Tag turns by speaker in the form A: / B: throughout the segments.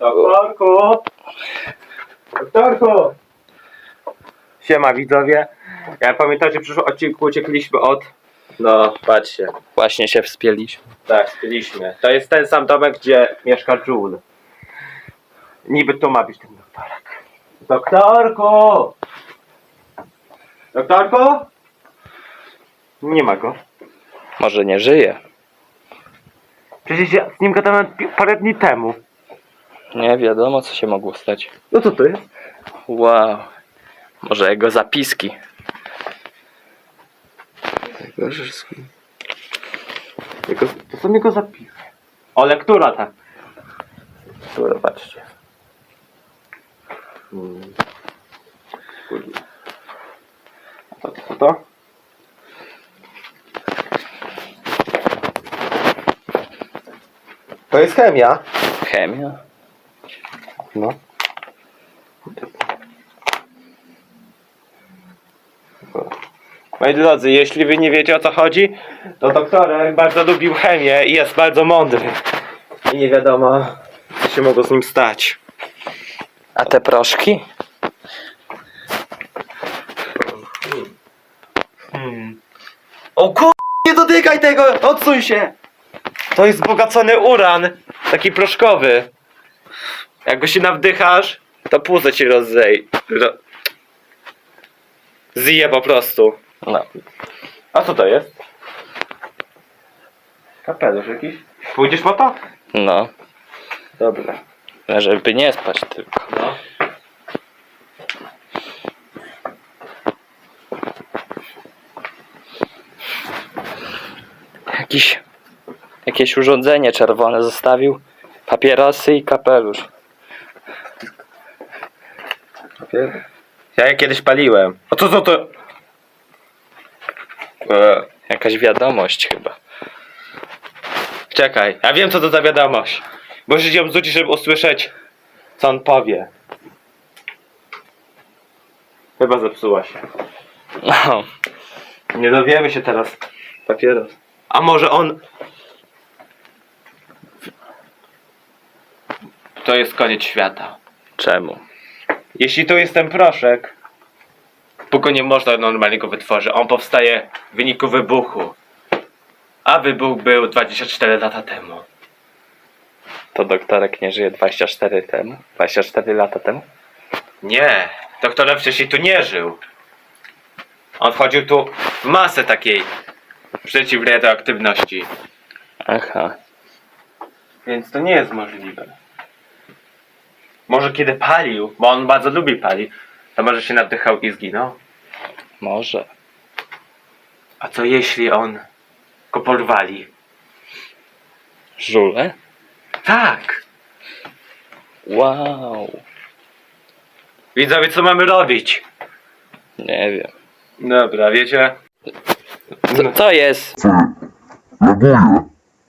A: Doktorku! Doktorku! Siema widzowie. Jak pamiętacie, w przyszłym odcinku uciekliśmy od... No, patrzcie.
B: Właśnie się wspięliśmy.
A: Tak, spieliśmy. To jest ten sam domek, gdzie mieszka Jul. Niby tu ma być ten doktorek. Doktorku! Doktorku? Nie ma go.
B: Może nie żyje.
A: Przecież ja z nim gadałem parę dni temu.
B: Nie wiadomo, co się mogło stać.
A: No co to jest?
B: Wow. Może jego zapiski.
A: To są jego zapisy. O, lektura ta.
B: Tu patrzcie.
A: Co to? To jest chemia.
B: Chemia?
A: No. Moi drodzy, jeśli wy nie wiecie, o co chodzi, to doktorek bardzo lubił chemię i jest bardzo mądry. I nie wiadomo, co się mogło z nim stać.
B: A te proszki?
A: O kur... nie dotykaj tego! Odsuń się! To jest wzbogacony uran. Taki proszkowy. Jak go się nawdychasz, to płuco ci zje po prostu.
B: No.
A: A co to jest? Kapelusz jakiś? Pójdziesz po to?
B: No.
A: Dobra.
B: Żeby nie spać tylko.
A: No.
B: Jakieś urządzenie czerwone zostawił. Papierosy i kapelusz.
A: Ja je kiedyś paliłem. A co to?
B: Jakaś wiadomość chyba.
A: Czekaj, ja wiem co to za wiadomość. Musisz ją rzucić, żeby usłyszeć, co on powie. Chyba zepsuła się.
B: No.
A: Nie dowiemy się teraz. Papieros. A może on... To jest koniec świata.
B: Czemu?
A: Jeśli tu jest ten proszek, póki nie można normalnie go wytworzyć. On powstaje w wyniku wybuchu. A wybuch był 24 lata temu.
B: To doktorek nie żyje 24 lata temu?
A: Nie, doktorem wcześniej tu nie żył. On wchodził tu w masę takiej przeciwradioaktywności.
B: Aha.
A: Więc to nie jest możliwe. Może kiedy palił, bo on bardzo lubi palić, to może się naddychał i zginął.
B: Może.
A: A co jeśli on go porwali?
B: Żule?
A: Tak!
B: Wow.
A: Widzowie, co mamy robić?
B: Nie wiem.
A: Dobra, wiecie?
B: Co jest?
C: Laguje.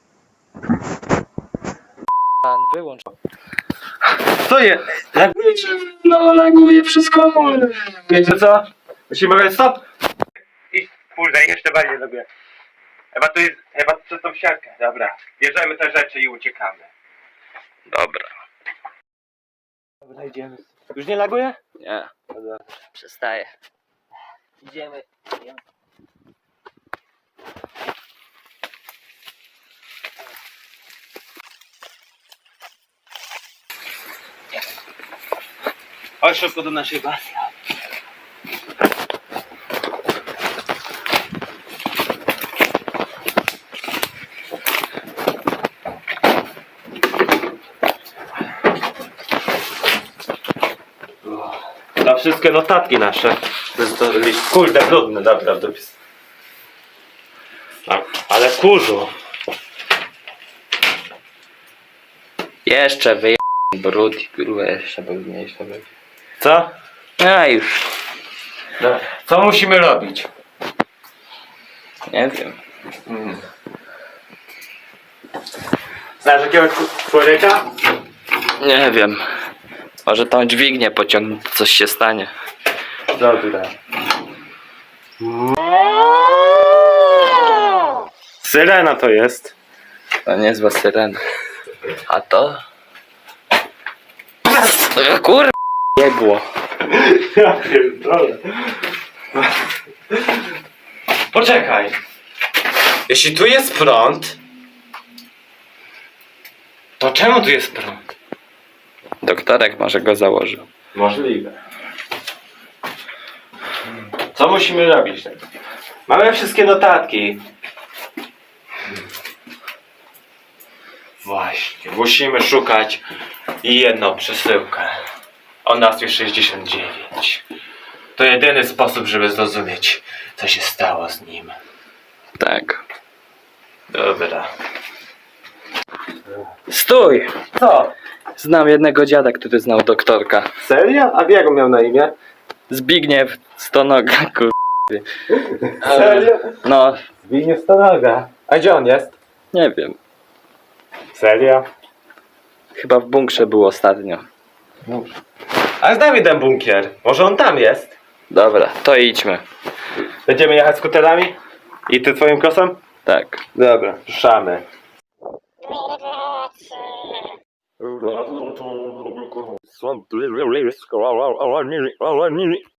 B: Pan wyłącz.
A: Co jest?
B: No laguje wszystko.
A: Wiecie co? Musimy mówić stop! I kurde, jeszcze bardziej lubię. Chyba przez tą siatkę. Dobra, bierzemy te rzeczy i uciekamy.
B: Dobra.
A: Dobra, idziemy. Już nie laguje?
B: Nie.
A: Dobra.
B: Przestaję.
A: Idziemy. Chodź szybko do naszej bazy. Na wszystkie notatki nasze. To jest to list, kurde, brudny, dobra, dopis. Ale kurzu.
B: Jeszcze wyje... brud i grube jeszcze brudniejsze będzie.
A: Co?
B: A już.
A: Dobra. Co musimy robić?
B: Nie wiem.
A: Znasz jakiegoś człowieka?
B: Nie wiem. Może tą dźwignię pociągnąć, coś się stanie.
A: Dobra. Syrena to jest.
B: To niezła syrena. A to? Kur... Jebło.
A: Ja pierdolę. Poczekaj. Jeśli tu jest prąd, to czemu tu jest prąd?
B: Doktorek może go założył.
A: Możliwe. Co musimy robić? Mamy wszystkie notatki. Właśnie, musimy szukać jedną przesyłkę. O nazwie 69. To jedyny sposób, żeby zrozumieć, co się stało z nim.
B: Tak.
A: Dobra.
B: Stój!
A: Co?
B: Znam jednego dziada, który znał doktorka.
A: Serio? A jak on miał na imię?
B: Zbigniew Stonoga, kur...
A: Serio?
B: No,
A: Zbigniew Stonoga. A gdzie on jest?
B: nie wiem.
A: Serio?
B: Chyba w bunkrze był ostatnio.
A: A znam jeden bunkier. Może on tam jest?
B: Dobra, to idźmy.
A: Będziemy jechać skuterami? I ty twoim kosem?
B: Tak.
A: Dobra, ruszamy.